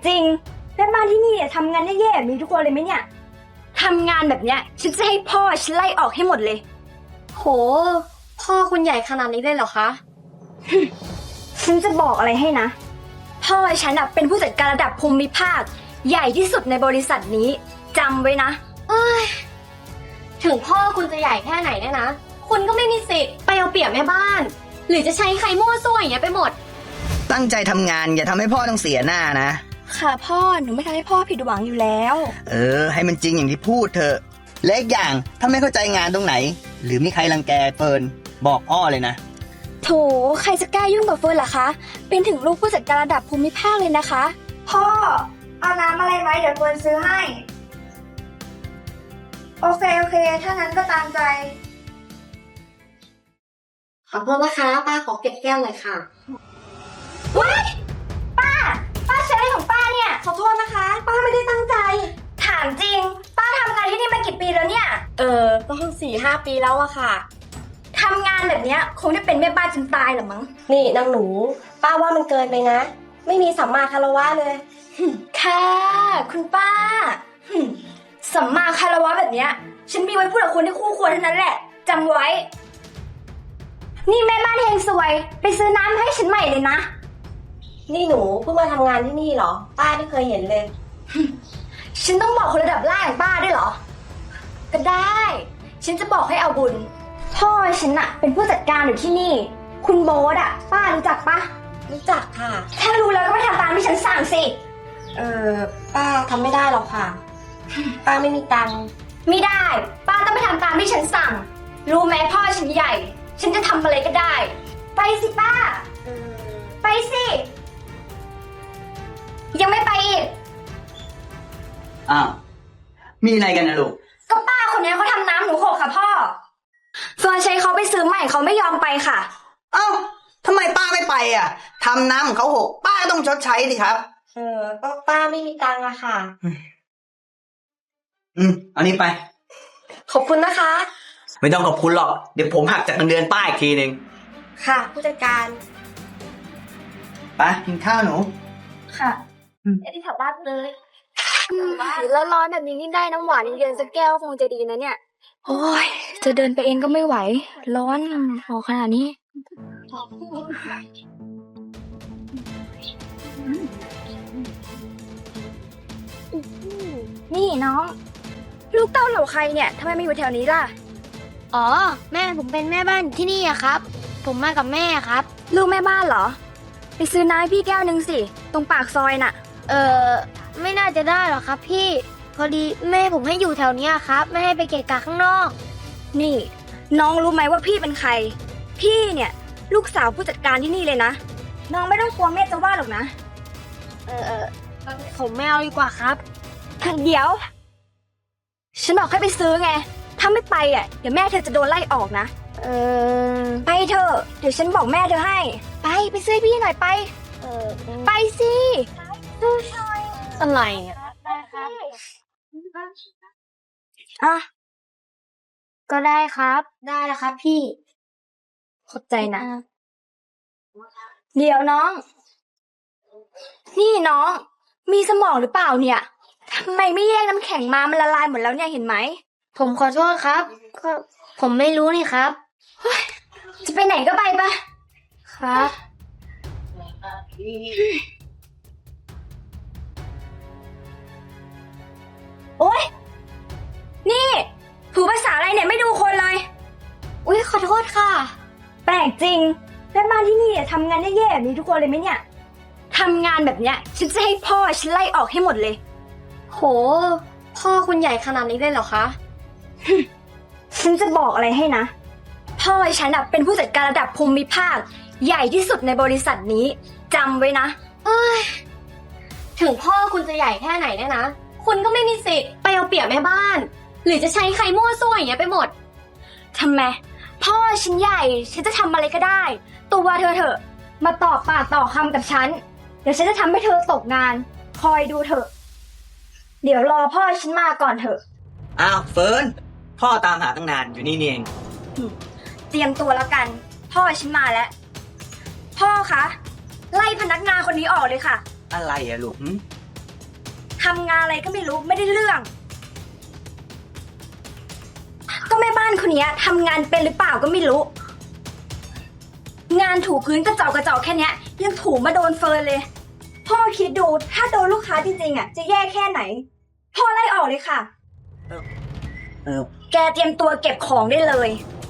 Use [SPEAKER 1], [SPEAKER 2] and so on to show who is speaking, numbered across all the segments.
[SPEAKER 1] จริงแม่บ้านที่นี่ทำงานแย่ๆแบบนี้ทุกคนเลยไหมเนี่ยทำงานแบบเนี้ยฉันจะให้พ่อฉันไล่ออกให้หมดเลย
[SPEAKER 2] โหพ่อคุณใหญ่ขนาดนี้เลยเหรอคะ
[SPEAKER 1] ฉันจะบอกอะไรให้นะพ่อฉันเป็นผู้จัดการระดับภูมิภาคใหญ่ที่สุดในบริษัทนี้จำไว้นะ
[SPEAKER 2] ถึงพ่อคุณจะใหญ่แค่ไหนเนี่ยนะคุณก็ไม่มีสิทธิ์ไปเอาเปรียบแม่บ้านหรือจะใช้ใครมั่วซั่วอย่างเงี้ยไปหมด
[SPEAKER 3] ตั้งใจทำงานอย่าทำให้พ่อต้องเสียหน้านะ
[SPEAKER 1] ค่ะพ่อหนูไม่ทำให้พ่อผิดหวังอยู่แล้ว
[SPEAKER 3] ให้มันจริงอย่างที่พูดเถอะและอีกอย่างถ้าไม่เข้าใจงานตรงไหนหรือมีใครรังแกเฟิร์นบอกอ้อเลยนะ
[SPEAKER 1] โถใครจะกล้ายุ่งกับเฟิร์นล่ะคะเป็นถึงลูกผู้จัดการระดับภูมิภาคเลยนะคะพ่อเอาน้ำอะไรไหมเดี๋ยวเฟิร์นซื้อให้โอเคถ้างั้นก็ตามใจ
[SPEAKER 2] ขอโทษนะคะป้าขอเก็บแก้วหน่อยค่ะ
[SPEAKER 1] ว้ายป้าใช้อะไรของป้าเนี่ย
[SPEAKER 2] ขอโทษนะคะป้าไม่ได้ตั้งใจ
[SPEAKER 1] ถามจริงป้าทำงานที่นี่มากี่ปีแล้วเนี่ย
[SPEAKER 2] ก็4-5 ปีแล้วอะค่ะ
[SPEAKER 1] ทำงานแบบเนี้ยคงได้เป็นแม่บ้านจนตายหรอมั้ง
[SPEAKER 2] นี่นางหนูป้าว่ามันเกินไปนะไม่มีสัมมาคารวะเลย
[SPEAKER 1] ค่ะคุณป้าสัมมาคารวะแบบเนี้ยฉันมีไว้พูดกับคนที่คู่ควรเท่านั้นแหละจำไว้นี่แม่บ้านเฮงซวยไปซื้อน้ำให้ฉันใหม่เลยนะ
[SPEAKER 2] นี่หนูเพิ่งมาทำงานที่นี่เหรอป้าไม่เคยเห็นเลย
[SPEAKER 1] ฉันต้องบอกคนระดับล่างอย่างป้าด้วยเหรอก็ได้ฉันจะบอกให้เอาบุญพ่อฉันเป็นผู้จัดการอยู่ที่นี่คุณโบ๊ทป้ารู้จักปะ
[SPEAKER 2] รู้จักค่ะ
[SPEAKER 1] ถ้ารู้แล้วก็ไปทำตามที่ฉันสั่งสิ
[SPEAKER 2] ป้าทำไม่ได้หรอกค่ะป้าไม่มีตังค์
[SPEAKER 1] ไม่ได้ป้าต้องไปทำตามที่ฉันสั่งรู้ไหมพ่อฉันใหญ่ฉันจะทำอะไรก็ได้ไปสิป้าไปสิยังไม่ไปอีก
[SPEAKER 3] อ้าวมีอะไรกันนะลูก
[SPEAKER 1] ก็ป้าคนนี้เขาทำน้ำหนูหกค่ะพ่อเฟิร์นใช้เขาไปซื้อใหม่เขาไม่ยอมไปค่ะ
[SPEAKER 3] ทำไมป้าไม่ไปทำน้ำของเขาหกป้าต้องชดใช้สิครับ
[SPEAKER 2] ก็ป้าไม่มีตังค์อะค่ะ
[SPEAKER 3] เอานี้ไป
[SPEAKER 2] ขอบคุณนะคะ
[SPEAKER 3] ไม่ต้องขอบคุณหรอกเดี๋ยวผมหักจากเงินเดือนป้าอีกทีนึง
[SPEAKER 2] ค่ะผู้จัดการ
[SPEAKER 3] ไปกินข้าวหนู
[SPEAKER 1] ค่ะที่แถวบ้านเลยแล้วร้อนแบบนี้นี่ได้น้ำหวานเย็นๆสักแก้วคงจะดีนะเนี่ยโอ้ยจะเดินไปเองก็ไม่ไหวร้อนพอขนาดนี้นี่น้องลูกเต้าเหล่าใครเนี่ยทำไมมาอยู่แถวนี้ล่ะ
[SPEAKER 2] อ๋อแม่ผมเป็นแม่บ้านที่นี่ครับผมมากับแม่ครับ
[SPEAKER 1] ลูกแม่บ้านเหรอไปซื้อน้ำให้พี่แก้วนึงสิตรงปากซอยน่ะ
[SPEAKER 2] ไม่น่าจะได้หรอกครับพี่พอดีแม่ผมให้อยู่แถวนี้ครับไม่ให้ไปเกะกะข้างนอก
[SPEAKER 1] นี่น้องรู้ไหมว่าพี่เป็นใครพี่เนี่ยลูกสาวผู้จัดการที่นี่เลยนะน้องไม่ต้องกลัวแม่จะว่าหรอกนะ
[SPEAKER 2] ผมไม่เอาดีกว่าครับ
[SPEAKER 1] เดี๋ยวฉันบอกให้ไปซื้อไงถ้าไม่ไปเดี๋ยวแม่เธอจะโดนไล่ออกนะไปเถอะเดี๋ยวฉันบอกแม่เธอให้ไปซื้อพี่หน่อยไปไปสิ
[SPEAKER 2] อะไรก็ได้ครับได้แล้วครับพี่
[SPEAKER 1] ขอบใจนะเดี๋ยวน้องนี่น้องมีสมองหรือเปล่าเนี่ยทำไมไม่แยกน้ำแข็งมามันละลายหมดแล้วเนี่ยเห็นไหม
[SPEAKER 2] ผมขอโทษครับก็ผมไม่รู้นี่ครับ
[SPEAKER 1] จะไปไหนก็ไปปะ
[SPEAKER 2] ครับ
[SPEAKER 1] โอ๊ยนี่ถูภาษาอะไรเนี่ยไม่ดูคนเลย
[SPEAKER 2] อุ๊ยขอโทษค่ะ
[SPEAKER 1] แปลกจริงแม่บ้านที่นี่ทำงานแย่ๆแบบนี้ทุกคนเลยไหมเนี่ยทำงานแบบเนี้ยฉันจะให้พ่อฉันไล่ออกให้หมดเลย
[SPEAKER 2] โหพ่อคุณใหญ่ขนาดนี้เลยเหรอคะ
[SPEAKER 1] ฉันจะบอกอะไรให้นะพ่อฉันเป็นผู้จัดการระดับภูมิภาคใหญ่ที่สุดในบริษัทนี้จำไว้นะ
[SPEAKER 2] ถึงพ่อคุณจะใหญ่แค่ไหนเนี่ยนะคุณก็ไม่มีสิทธิ์ไปเอาเปรียบแม่บ้านหรือจะใช้ใครมั่วซั่วอย่างเงี้ยไปหมด
[SPEAKER 1] ทำไมพ่อฉันใหญ่ฉันจะทำอะไรก็ได้ตัวเธอเถอะมาต่อปากต่อคำกับฉันเดี๋ยวฉันจะทำให้เธอตกงานคอยดูเถอะเดี๋ยวรอพ่อฉันมาก่อนเถอะ
[SPEAKER 3] อ้าวเฟิร์นพ่อตามหาตั้งนานอยู่นี่เอง
[SPEAKER 1] เตรียมตัวแล้วกันพ่อฉันมาแล้วพ่อคะไล่พนักงานคนนี้ออกเลยค่ะ
[SPEAKER 3] อะไรลูก
[SPEAKER 1] ำงานอะไรก็ไม่รู้ไม่ได้เรื่อง ก็แม่บ้านคนนี้ทำงานเป็นหรือเปล่าก็ไม่รู้ งานถูพื้นกระจอกแค่เนี้ยยังถูมาโดนเฟิร์นเลย พ่อคิดดูถ้าโดนลูกค้าจริงๆจะแย่แค่ไหน พ่อไล่ออกเลยค่ะ
[SPEAKER 3] เออ
[SPEAKER 1] แกเตรียมตัวเก็บของได้เลย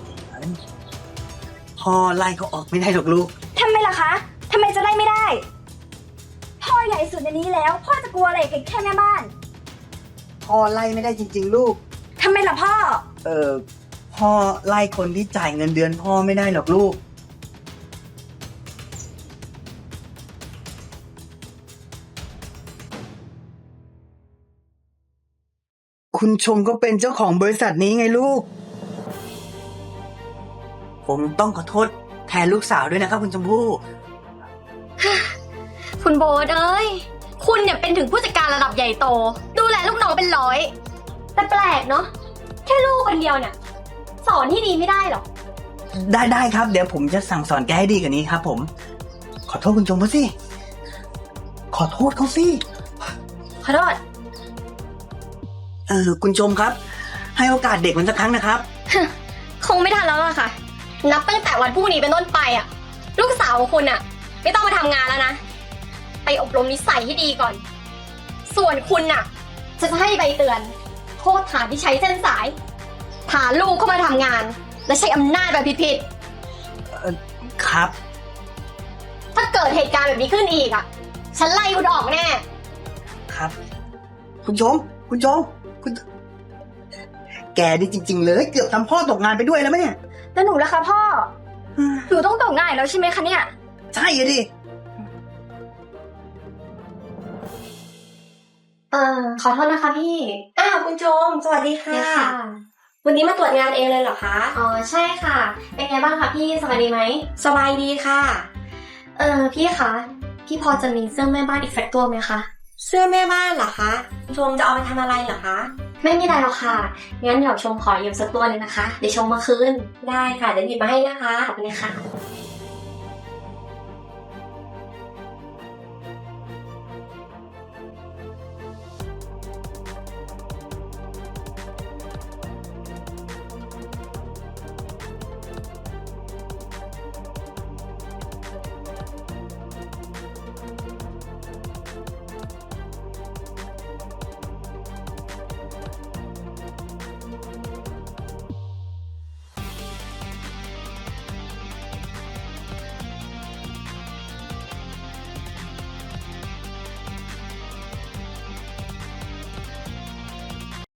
[SPEAKER 3] พ่อไล่เขาออกไม่ได้หรอกลูก
[SPEAKER 1] ทำไมล่ะคะทำไมจะไล่ไม่ได้ พ่อใหญ่สุดในนี้แล้ว พ่อจะกลัวอะไรกับแค่แม่บ้าน
[SPEAKER 3] พ่อไล่ไม่ได้จริงๆลูก
[SPEAKER 1] ทำไมล่ะพ่อ
[SPEAKER 3] พ่อไล่คนที่จ่ายเงินเดือนพ่อไม่ได้หรอกลูก คุณชมก็เป็นเจ้าของบริษัทนี้ไงลูก ผมต้องขอโทษแทนลูกสาวด้วยนะครับคุณชมพู่
[SPEAKER 2] คุณโบ๊ทเอ้ย คุณเนี่ยเป็นถึงผู้จัดการระดับใหญ่โต ดูแลลูกน้องเป็นร้อย แต่แปลกเนาะ แค่ลูกคนเดียวเนี่ยสอนที่ดีไม่ได้หรอ
[SPEAKER 3] ได้ครับ เดี๋ยวผมจะสั่งสอนแกให้ดีกว่านี้ครับ ผม ขอโทษคุณชมพู่สิ ขอโทษเขาสิ
[SPEAKER 2] ขอโทษ
[SPEAKER 3] คุณชมครับ ให้โอกาสเด็กมันสักครั้งนะครับ
[SPEAKER 2] คงไม่ทันแล้วล่ะค่ะ นับตั้งแต่วันพรุ่งนี้เป็นต้นไปอ่ะ ลูกสาวของคุณอ่ะ ไม่ต้องมาทำงานแล้วนะ ไปอบรมนิสัยให้ดีก่อน ส่วนคุณน่ะ จะให้ใบเตือนโทษฐานที่ใช้เส้นสายพาลูกเข้ามาทำงาน และใช้อำนาจแบบผิด
[SPEAKER 3] ครับ
[SPEAKER 2] ๆถ้าเกิดเหตุการณ์แบบนี้ขึ้นอีกอ่ะ ฉันไล่คุณออกแน่
[SPEAKER 3] ครับ คุณชม คุณแกนี่จริง ๆ เลย เกือบทำพ่อตกงานไปด้วยแล้วไหมเนี่ย
[SPEAKER 1] แล้วหนูล่ะคะพ่อ หนูต้องตกงานอีกแล้วใช่ไหมคะเนี่ย
[SPEAKER 3] ใช่อะดิ
[SPEAKER 2] ขอโทษนะคะพี่
[SPEAKER 4] อ้าวคุณโจมสวัสดีค่ะ
[SPEAKER 2] ค่ะ
[SPEAKER 4] วันนี้มาตรวจงานเองเลยเหรอคะ
[SPEAKER 2] อ๋อใช่ค่ะ เป็นไงบ้างคะพี่สบายดีไหม
[SPEAKER 4] สบายดีค่ะ
[SPEAKER 2] พี่คะ พี่พอจะมีเสื้อแม่บ้านอีกสักตัวไหมคะ
[SPEAKER 4] เสื้อแม่บ้านเหรอคะคุณโจมจะเอาไปทำอะไรเหรอคะ
[SPEAKER 2] ไม่มีอะไรหรอกค่ะ งั้นเดี๋ยวชมขอยืมสักตัวหนึงนะคะ เดี๋ยวชมมาคืน
[SPEAKER 4] ได้ค่ะเดี๋ยวหยิบมาให้นะคะ
[SPEAKER 2] ขอบคุณค่ะ